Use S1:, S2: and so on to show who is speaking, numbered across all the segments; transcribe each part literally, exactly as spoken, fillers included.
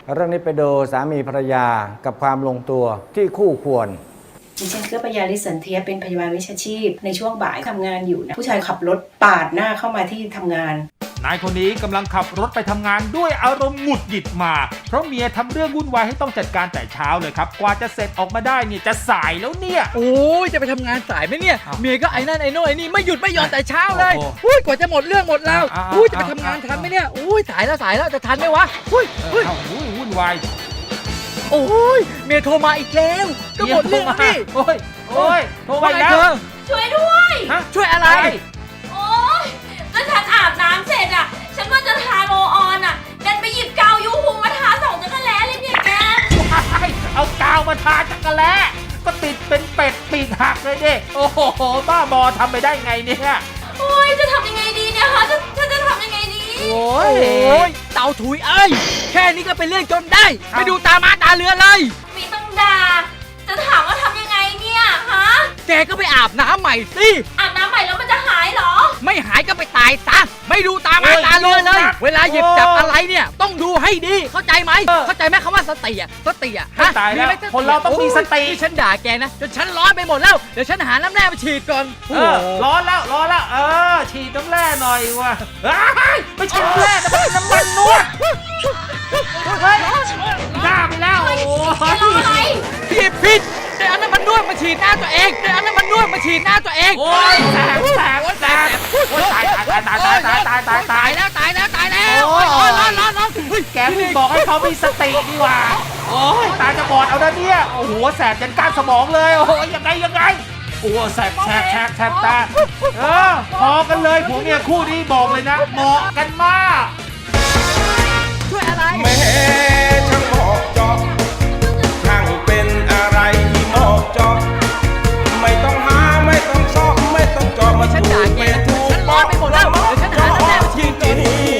S1: เรื่องนี้ไปดูสามีภรรยากับความลงตัวที่คู่ควร
S2: ดิฉันเกื้อปยาลิสันเทียเป็นพยาบาลวิชาชีพในช่วงบ่ายทำงานอยู่นะผู้ชายขับรถปาดหน้าเข้ามาที่ทำงาน
S3: นายคนนี้กำลังขับรถไปทำงานด้วยอารมณ์หงุดหงิดมาเพราะเมียทำเรื่องวุ่นวายให้ต้องจัดการแต่เช้าเลยครับกว่าจะเสร็จออกมาได้เนี่ยจะสายแล้วเนี่ย
S4: โอ้ยจะไปทำงานสายไหมเนี่ยเมียก็ไอ้นั่นไอ้โน่นไอ้นี่ไม่หยุดไม่หย่อนแต่เช้าเลยอุ้ยกว่าจะหมดเรื่องหมดราวอุ้ยจะไปทำงานทันไหมเนี่ยอุ้ยสายแล้วสายแล้วจะทันไหมวะอุ้ยอุ้ย
S3: วุ่นวาย
S4: โอ้ยเมียโทรมาอีกแล้วก็หมดเรื่องนี่
S3: โอ้ยโอ้ยโทรมาอีกแล้ว
S5: ช่วยด้วย
S4: ช่วยอะไร
S5: โอ้ยก็ฉันอาบน้ำเสร็จอ่ะฉันว่าจะทาโรออนอ่ะดันไปหยิบกาวยูฮูมาทาสองจักรแล้เลยเนี่ยแก
S3: เอากาวมาทาจักรแล้ก็ติดเป็นเป็ดปีกหักเลยดิโอ้โหบ้าบอทำไปได้ไงเนี่ย
S5: โอ้ยจะทำยังไงดีเนี่ยคะจะจะจะทำยังไงดี
S4: โอ้ยเต่าถุยเอ้ยแค่นี้ก็เป็นเรื่องจนได้ไปดูตามาตาเรือเลย
S5: มีต้องด่าจะถามว่าทำยังไงเนี่ยฮะ
S4: แกก็ไปอาบน้ำใหม่สิ
S5: อาบน้ำใหม่แล้วมันจะหายเหรอ
S4: ไม่หายก็ไปตายซะไม่ดูตามาตาเรือเลยเวลาหยิบจับอะไรเนี่ยต้องดูให้ดีเข้าใจไหมเข้าใจไหมคำว่าสติอ่ะสติอ่ะ
S3: ฮะตายแล้วคนเราต้องมีสติ
S4: ฉันด่าแกนะจนฉันร้อนไปหมดแล้วเดี๋ยวฉันหาน้ำแร่มาฉีดก่อน
S3: เออร้อนแล้วร้อนแล้วเออฉีดน้ำแร่หน่อยว่ะไม่ใช่น้ำแร่นะเป็นน้ำมันนวดเฮ้ยด่าไปแล้วโอ้ย
S4: ผิดผิดเดี๋ยวอันนั้นมันนวดมาฉีดหน้าตัวเองเดี๋ยวอันนั้นมันนวดมาฉีดหน้าตัวเอง
S3: โอ้ยแสบแสบแสบโอ้ยตายตายตายตายตายตายตายตาย
S4: แล้วตายแล้วตายแล้วโอ้ยร้อนร้อนร้อนร้อน
S3: แกไม่บอกให้เขามีสติดีกว่าโอ้ยตาจะบอดเอาด้านเนี้ยโอ้โหแสบจนก้านสมองเลยโอ้ยยังไงยังไงโอ้แสบแสบแสบแสบตาเออพอกันเลยผัวเมียคู่นี้บอกเลยนะเหมาะกันมาก
S4: ช่วยอะไร
S6: แม่ช่างเหมาะจอบช่างเป็นอะไรที่เหมาะจอบไม่ต้องหาไม่ต้องชอบไม่ต้องจอบมา
S4: ฉันด่าแกฉันร้อนไปหมดแล้วเดี๋ยวฉันหาน้ำแร่มาฉีดก่อน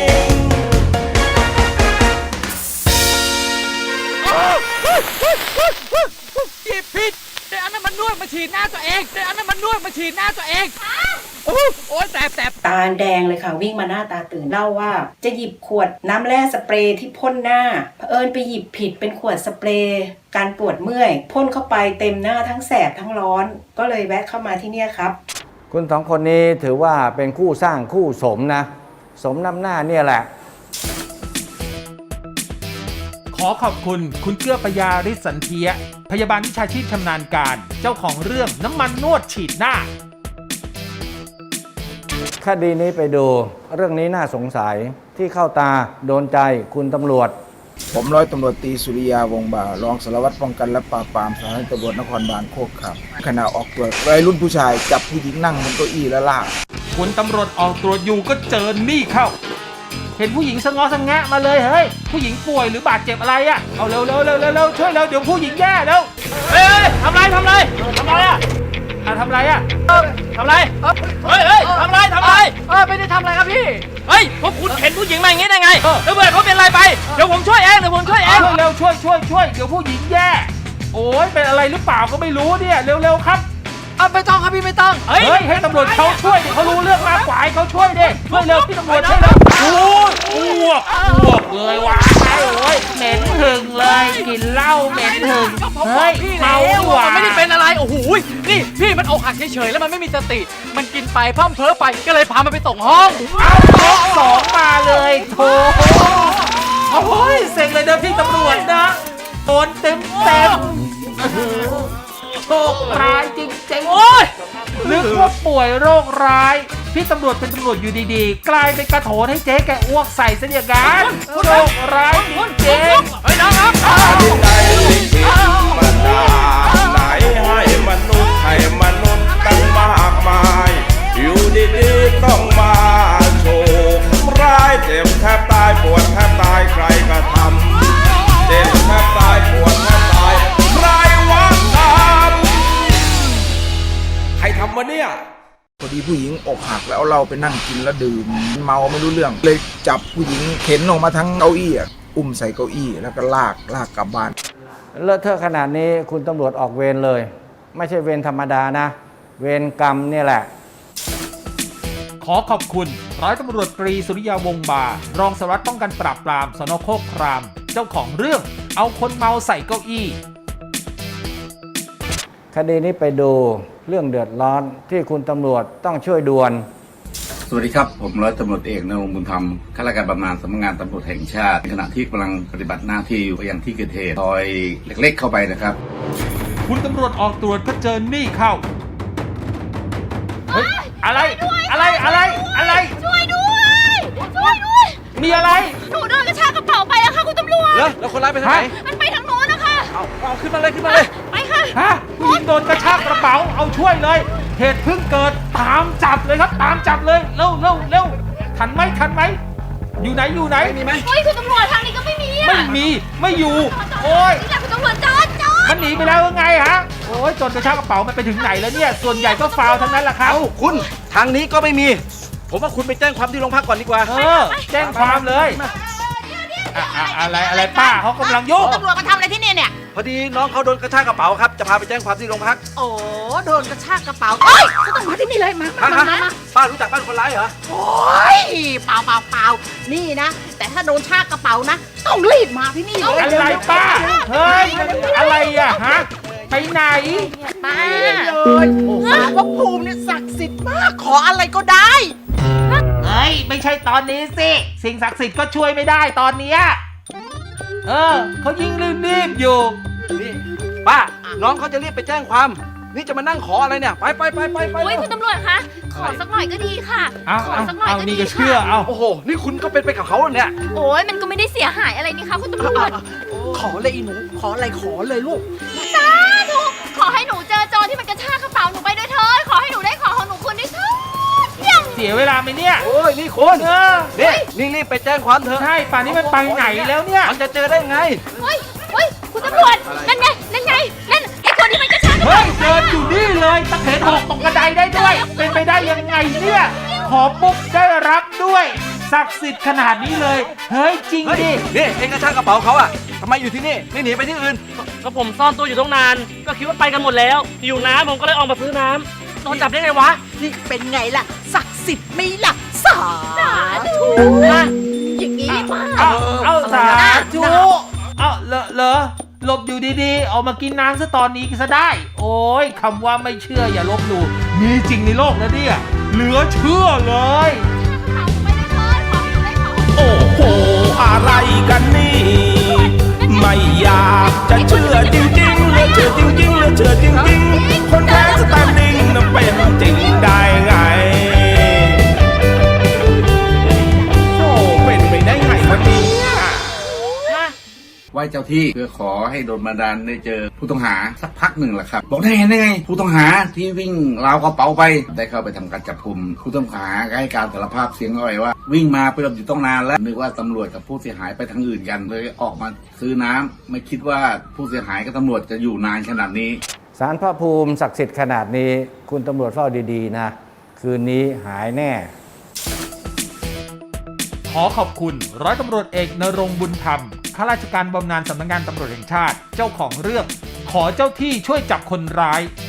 S4: ผิดผิดเดี๋ยวอันนั้นมันนวดมาฉีดหน้าตัวเองเดี๋ยวอันนั้นมันนวดมาฉีดหน้าตัวเองโอ้ยแสบแสบ
S2: ตาแดงเลยค่ะวิ่งมาหน้าตาตื่นเล่าว่าจะหยิบขวดน้ำแร่สเปรย์ที่พ่นหน้าเผอิญไปหยิบผิดเป็นขวดสเปรย์การปวดเมื่อยพ่นเข้าไปเต็มหน้าทั้งแสบทั้งร้อนก็เลยแวะเข้ามาที่นี่ครับ
S1: คุณสองคนนี้ถือว่าเป็นคู่สร้างคู่สมนะสมน้ำหน้าเนี่ยแหละ
S3: ขอขอบคุณคุณเกื้อปยาฤทธิ์สันเทียพยาบาลวิชาชีพชำนาญการเจ้าของเรื่องน้ำมันนวดฉีดหน้า
S1: คดีนี้ไปดูเรื่องนี้น่าสงสัยที่เข้าตาโดนใจคุณตำรวจ
S7: ผมร้อยตำรวจตรีสุริยาวงศ์บ่ารองสารวัตรป้องกันและปราบปรามสถานีตำรวจนครบาลโคกครับขณะออกตรวจวัยรุ่นผู้ชายจับผู้หญิงนั่งบนเก้าอี้และลาก
S3: คุณตำรวจออกตรวจอยู่ก็เจอนี่เข้าเห็นผู้หญิงสะง้อสะแงะมาเลยเฮ้ยผู้หญิงป่วยหรือบาดเจ็บอะไรอ่ะเอาเร็วเร็วเร็วเร็วช่วยเร็วเดี๋ยวผู้หญิงแย่เร็วเฮ้ยทำไรทำไรทำไรอ่ะทำไรอ่ะทำไรเฮ้ยเฮ้ยทำไรทำไร
S4: เออไม่ได้ทำอะไรครับพี่
S3: เฮ้ยพวกคุณเห็นผู้หญิงมาอย่างงี้ได้ไงแล้วเพื่อนเขาเป็นอะไรไปเดี๋ยวผมช่วยเองเดี๋ยวผมช่วยเองเร็วช่วยช่วยช่วยเดี๋ยวผู้หญิงแย่โอ้ยเป็นอะไรหรือเปล่าก็ไม่รู้เนี่ยเร็วเร็วครับ
S4: เอาไม่ต้องครับพี่ไม่ต้อง
S3: เฮ้ยให้ตำรวจเขาช่วยดิเขารู้เรื่องมากกว่าให้เขาช่วยดิช่วยเร็วพี่ตำรวจช่วยเร็วโอ้ยอ้วกอ้วกเลยว่ะโอ้ยเหม็นหึงเลยกินเหล้าเหม็นหึงเฮ้ยเมาว่ะ
S4: ไม่ได้เป็นอะไรโอ้โหนี่พี่มันอกหักเฉยๆแล้วมันไม่มีสติมันกินไปพร่ำเพ้อไปก็เลยพามันไปส่งห้อง
S3: เอายกสองมาเลยโถโอ้ยเซ็งเลยนะพี่ตำรวจนะโดนเต็มเต็มโชคร้ายจริงๆโอ้ยนึกว่าป่วยโรคร้ายพี่ตำรวจเป็นตำรวจอยู่ดีๆกลายเป็นกระโถนให้เจ๊แกอ้วกใส่ซะอย่างนั้นโชคร้ายจริงๆเฮ้ยน้องครับ
S6: ใจคิดมาด่าไหนให้มนุษย์ให้มนุษย์ตั้งมากมายอยู่ดีๆต้องมาโชคร้ายเจ็บแทบตายปวดแทบตายใครก็ทำเจ็บแทบตายปวดแทบตายใครวะทำใครทำวะเนี่ย
S7: พอดีผู้หญิงอกหักแล้วเราไปนั่งกินแล้วดื่มเมาไม่รู้เรื่องเลยจับผู้หญิงเข็นออกมาทั้งเก้าอี้อุ้มใส่เก้าอี้แล้วก็ลากลากกลับบ้าน
S1: เลอะเทอะขนาดนี้คุณตำรวจออกเวรเลยไม่ใช่เวรธรรมดานะเวรกรรมเนี่ยแหละ
S3: ขอขอบคุณร้อยตำรวจตรีสุริยาวงศ์บ่ารองสารวัตรป้องกันปราบปรามสน.โคกครามเจ้าของเรื่องเอาคนเมาใส่เก้าอี้
S1: คดีนี้ไปดูเรื่องเดือดร้อนที่คุณตำรวจต้องช่วยด่วน
S8: สวัสดีครับ ผมร้อยตำรวจเอกณรงค์บุญธรรมข้าราชการบำนาญสำนักงานตำรวจแห่งชาติในขณะที่กำลังปฏิบัติหน้าที่อยู่ยังที่เกิดเหตุซอยเล็กๆเข้าไปนะครับ
S3: คุณตำรวจออกตรวจก็เจอนี่เข้าเฮ้ยอะไรอะไรอะไรอะไร
S5: ช่วยด้วย ช่วยด้วย
S3: มีอะไร
S5: หนูโดนกระชากกระเป๋าไปแล้วค่ะคุณตำรวจ
S4: แล้วแล้วคนร้ายไปทางไหน
S5: มันไปทางโน้นนะคะ
S4: เอาเอาขึ้นมาเลยขึ้นมาเลย
S5: ไปค่ะ
S3: ฮะผู้หญิงโดนกระชากกระเป๋าเอาช่วยเลย เหตุเพิ่งเกิดตามจับเลยครับ ตามจับเลยเร็วเร็วเร็วทันไหมทันไหมอยู่ไหนอยู่ไหนมีไหม
S5: เฮ้ยคุณตำรวจทางนี้ก็ไม่มีอะ
S3: ไม่มีไม่อยู่ โอ้ย
S5: นี่แหละคุณตำรวจจอดจอด
S3: มันหนีไปแล้วยังไงฮะโอ้ยจนกระชากกระเป๋ามันไปถึงไหนแล้วเนี่ยส่วนใหญ่ก็ฟาวล์ทั้งนั้นแหละครับ
S4: เอ้าคุณทางนี้ก็ไม่มี ผมว่าคุณไปแจ้งความที่โรงพักก่อนดีกว่า
S3: เออแจ้งความเลยอะอะอะไรอะไรป้าเขากำลังยุ่ง
S9: ตำรวจมาทำอะไรที่นี่เนี่ย
S4: พอดีน้องเขาโดนกระชากกระเป๋าครับ จะพาไปแจ้งความที่โรงพัก
S9: โอ้ โดนกระชากกระเป๋าเอ้ยก็ต้องมาที่นี่เลย มา
S4: ฮะ
S9: มา
S4: ฮะ
S9: มามา
S4: ป้ารู้จักบ้านคนร้ายเหรอ
S9: โอ้ยเปล่าเปล่าเปล่านี่นะ แต่ถ้าโดนชากกระเป๋านะ ต้องรีบมาที่นี่เลย
S3: อะไรป้า เฮ้ยมันอะไรอะฮะ ไปไหน
S9: ป้าเลยสารพระภูมิเนี่ยศักดิ์สิทธิ์มาก ขออะไรก็ได้
S3: เฮ้ย ไม่ใช่ตอนนี้สิ สิ่งศักดิ์สิทธิ์ก็ช่วยไม่ได้ตอนเนี้ยเออเขายิ่งรีบๆอยู่
S4: นี่ป้า น้องเขาจะรีบไปแจ้งความ นี่จะมานั่งขออะไรเนี่ย ไปไปไปไปไป
S5: โอ้ยคุณตำรวจคะ ขอสักหน่อยก็ดีค่ะ
S3: เอา
S5: ขอ
S3: เอา
S5: สักหน่อย
S3: เอา
S5: ก็
S3: นี่
S5: ดี
S3: ก็เชื่อ
S5: ค่ะ
S3: เอา
S4: โอ้โห นี่คุณก็เป็นไปกับเขาเนี่ย
S5: โอ้ยมันก็ไม่ได้เสียหายอะไรนี่คะคุณตำรวจ
S9: ขอเลยอีหนู ขออะไรขอเลยลูก
S5: สาธุขอให้หนูเจอโจรที่มันกระชากกระเป๋าหนูไปด้วยเถิดขอให้หนูได้ของของหนูคืนด้วยเถิดเพียง
S3: เสียเวลาไหมเนี่ย
S4: โอ้ย นี่คุณ
S3: เออ
S4: นี่นี่รีบไปแจ้งความเถอะ
S3: ใช่ ป่านนี้มันไปไหนแล้วเนี่ย
S4: มันจะเจอได้ไง
S5: เฮ้ยเฮ้ยคุณตำรวจ นั่นไง นั่นไง นั่นไอ้คนที่มันกระชากกระ
S3: เฮ้
S5: เป๋าย
S3: เดินอยู่นี่เลยตะเข็นหกตกกระไดได้ด้วย เป็นไปได้ยังไงเนี่ย ขอปุ๊บได้รับด้วย ศักดิ์สิทธิ์ขนาดนี้เลย เฮ้ย จริง
S4: เฮ้ย
S3: ดิ
S4: นี่เองกระชากกระเป๋าเขาอะทำไมอยู่ที่นี่ ไม่หนีไปที่อื่น
S10: ก็ผมซ่อนตัวอยู่ตั้งนาน ก็คิดว่าไปกันหมดแล้ว อยู่น้ำผมก็เลยออกมาซื้อน้ำโดนจับได้ไงวะ
S9: นี่เป็นไงล่ะ ศักดิ์สิทธิ์ไหม่ล่ะ สาธุ
S5: อ่ะอย่างนี้มา
S3: เอาเอาสาธุเอาเหรอเหรอหลบอยู่ดีๆ เอามากินน้ำซะตอนนี้ซะได้ โอ้ยคำว่าไม่เชื่ออย่าลบหลู่มีจริงในโลกนะเนี่ย เหลือเชื่อเลย
S6: โอ้โห อะไรกันนี่ ไม่อยากจะเชื่อจริงๆเหลือเชื่อจริงๆเหลือเชื่อจริงๆ คนแท้สแตนดิ้งนั้นเป็นจริงได้ไง โอ้เป็นไปได้ไงวะเนี่ย
S8: ไหว้เจ้าที่เพื่อขอให้โดนบันดาลได้เจอผู้ต้องหาสักพักหนึ่งแหละครับ บอกได้เห็นได้ไง ผู้ต้องหาที่วิ่งราวกระเป๋าไป ได้เข้าไปทำการจับกุมผู้ต้องหาให้การสารภาพเสียงอ่อยว่า วิ่งมาไปหลบอยู่ต้องนานแล้วนึกว่าตำรวจกับผู้เสียหายไปทางอื่นกันเลยออกมาซื้อน้ำไม่คิดว่าผู้เสียหายกับตำรวจจะอยู่นานขนาดนี้
S1: ศาลพระภูมิศักดิ์สิทธิ์ขนาดนี้ คุณตำรวจเฝ้าดีๆนะ คืนนี้หายแน่
S3: ขอขอบคุณร้อยตำรวจเอกณรงค์บุญธรรมข้าราชการบำนาญสำนักงานตำรวจแห่งชาติ เจ้าของเรื่อง ขอเจ้าที่ช่วยจับคนร้าย